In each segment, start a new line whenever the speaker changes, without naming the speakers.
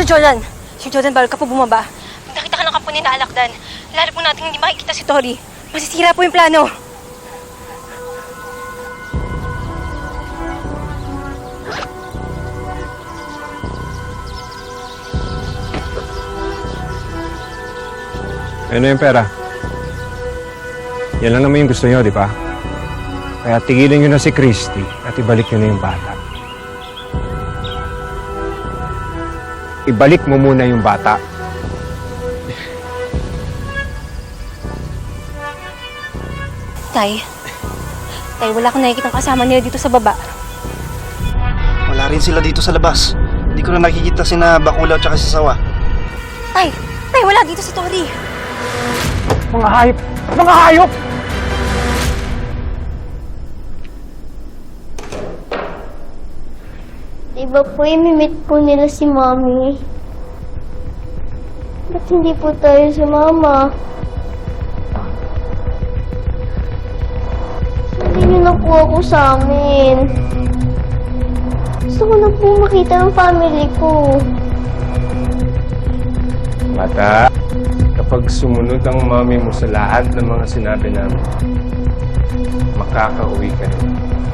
Sir Jordan! Sir Jordan, bawal ka po bumaba. Pag nakita ka ng kampo ni Alakdan, lalo po natin hindi makikita si Tori. Masisira po yung plano.
Ano yung pera? Yan lang naman yung gusto nyo, di ba? Kaya tigilan nyo na si Christy at ibalik nyo na yung bata. Ibalik mo muna yung bata.
Tay, wala akong nakikitang kasama nila dito sa baba.
Wala rin sila dito sa labas. Hindi ko na nakikita sina Bakulaw tsaka si Sawa.
Tay, wala dito si Tori.
Mga hayop! Mga hayop!
Diba po, imimit po nila si Mommy? Ba't hindi po tayo sumama? Sabi niyo na po ako sa amin. Gusto ko na po makita ang family ko.
Bata, kapag sumunod ang mami mo sa lahat ng mga sinabi namin, makakauwi ka na.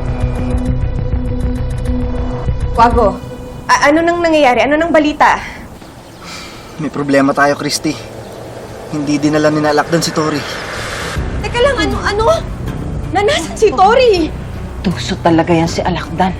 Wago, ano nang nangyayari? Ano nang balita?
May problema tayo, Christy. Hindi dinala ni Alakdan si Tori.
Teka lang, ano? Nanasan si Tori?
Tuso talaga yan si Alakdan.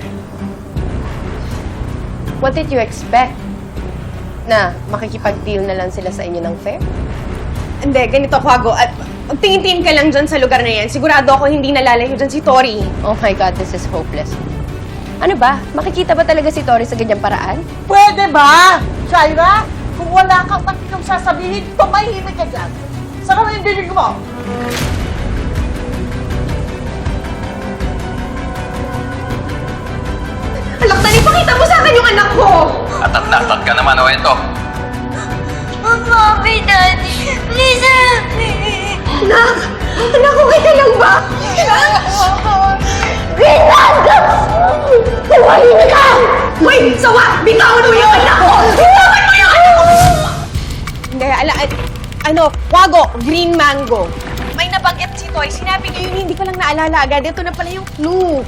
What did you expect? Na makikipag-deal na lang sila sa inyo ng fair?
Hindi, ganito, Wago. At magtingin-tingin ka lang dyan sa lugar na yan. Sigurado ako hindi nalalayo dyan si Tori.
Oh my God, this is hopeless. Ano ba? Makikita ba talaga si Tori sa ganyang paraan?
Pwede ba, Shaira? Kung wala kang matinong sasabihin, tumahimik ka dyan. Saka mo yung dinig mo.
Alakdan, ipakita mo sa akin yung anak ko!
Atat ka naman, o ito.
Mommy, Daddy, please help me!
Anak! Anak ko, kaya lang ba?
Ginanda! Tumahimik ka!
Uy! Sawa! Bitawan mo yung anak ko! Bitawan mo yung anak ko! Hindi, Wago, green mango. May nabanggit si Toy. Sinabi niya yun, hindi ko lang naalala agad. Ito na pala yung clue.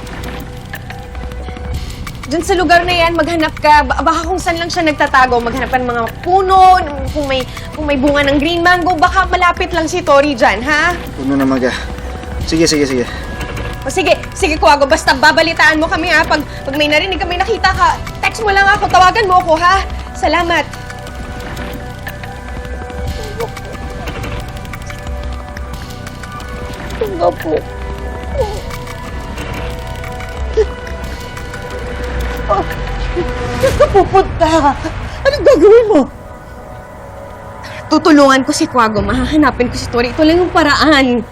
Diyan sa lugar na yan, maghanap ka. Baka kung saan lang siya nagtatago, maghanap ka ng mga puno, kung may bunga ng green mango, baka malapit lang si Tori dyan, ha?
Puno na maga. Sige.
O sige, Kuwago, basta babalitaan mo kami, ha? Pag may narinig ka, may nakita ka, text mo lang ako, tawagan mo ako, ha? Salamat.
Diba po?
Saan ka pupunta? Anong gagawin mo?
Tutulungan ko si Kuwago, mahahanapin ko si Tori. Ito lang yung paraan.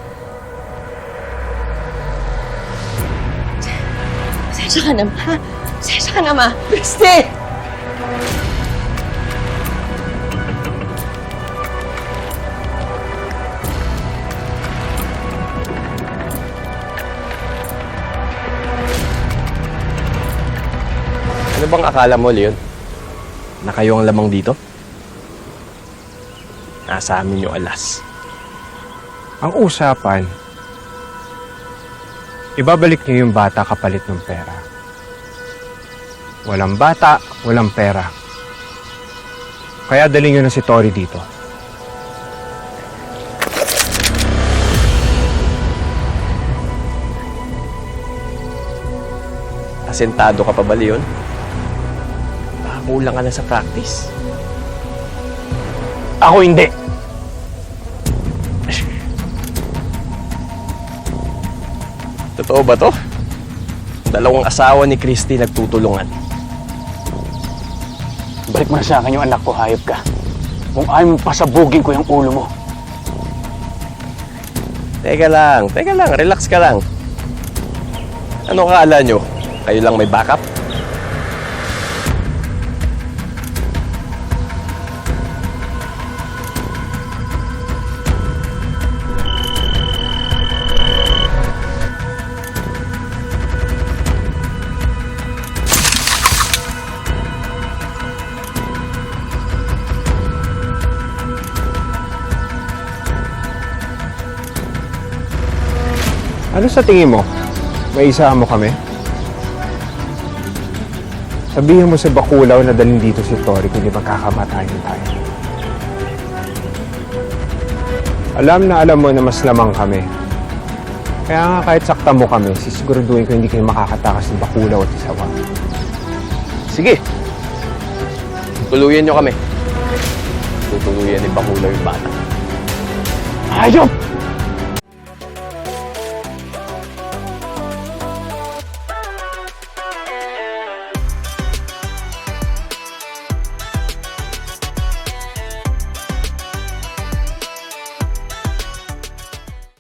Pasensya ka na, ma. Pasensya ka na, ma.
Christy!
Ano bang akala mo, Leon? Na kayo ang lamang dito? Nasa amin yung alas.
Ang usapan, ibabalik niyo yung bata kapalit ng pera. Walang bata, walang pera. Kaya dalhin niyo na si Tori dito.
Asentado ka pa ba, Leon? Kulang ka na sa practice.
Ako hindi.
Totoo ba to? Dalawang asawa ni Christy nagtutulungan.
Balik mo na sa akin yung anak ko, hayop ka. Kung ayaw mo pasabugin ko yung ulo mo.
Teka lang, relax ka lang. Ano kaala nyo? Kayo lang may backup?
Ano sa tingin mo? May isa mo kami? Sabihin mo sa Bakulaw na dalhin dito si Tori kundi magkakamatayan tayo. Alam mo na mas lamang kami. Kaya nga kahit sakta mo kami, sisiguraduhin ko hindi kayo makakatakas ng Bakulaw at Isawa.
Sige. Tutuluyan nyo kami. Tutuluyan ni Bakulaw yung bata.
Hayop!